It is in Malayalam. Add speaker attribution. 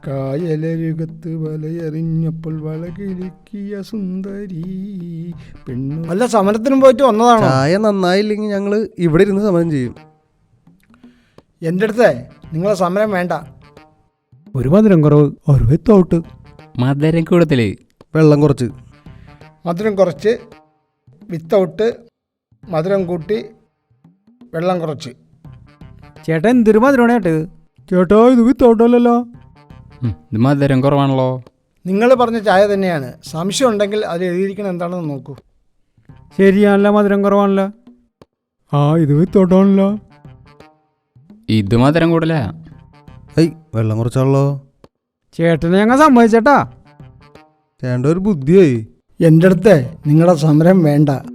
Speaker 1: കായലരുകത്ത് വലയെറിഞ്ഞപ്പോൾ വളകിലുക്കിയ സുന്ദരി പെണ്ണു. അല്ല, സമരത്തിനും പോയിട്ട് വന്നതാണോ?
Speaker 2: ചായ നന്നായില്ലെങ്കിൽ ഞങ്ങൾ ഇവിടെ ഇരുന്ന് സമരം ചെയ്യും.
Speaker 1: എൻ്റെ അടുത്ത് നിങ്ങളെ സമരം വേണ്ട.
Speaker 3: ഒരു മധുരം കുറവ്, ഒരു വിത്തൗട്ട്.
Speaker 4: മധുരം കൂടുതൽ,
Speaker 2: വെള്ളം കുറച്ച്.
Speaker 1: മധുരം കുറച്ച്, വിത്തൗട്ട്, മധുരം കൂട്ടി, വെള്ളം കുറച്ച്.
Speaker 3: ചേട്ടാ എന്തൊരു മധുരമാണ് ചേട്ടത്? ചേട്ടാ ഇത് വിത്തൗട്ടല്ലോ.
Speaker 4: ഇത് മധുരം കുറവാണല്ലോ.
Speaker 1: നിങ്ങൾ പറഞ്ഞ ചായ തന്നെയാണ്. സംശയം ഉണ്ടെങ്കിൽ അത് എഴുതിയിരിക്കണം എന്താണെന്ന് നോക്കൂ.
Speaker 3: ശരിയാണല്ലോ, മധുരം കുറവാണല്ലോ. ആ ഇത് വിത്തൗട്ടാണല്ലോ.
Speaker 4: ഇത് മധുരം കൂടുതലാ.
Speaker 2: വെള്ളം കുറച്ചാണല്ലോ.
Speaker 3: ചേട്ടനെ ഞങ്ങൾ സമ്മതിച്ചേട്ടാ.
Speaker 2: ചേട്ടൻ്റെ ഒരു ബുദ്ധിയായി.
Speaker 1: എൻ്റെ അടുത്ത് നിങ്ങളുടെ സമരം വേണ്ട.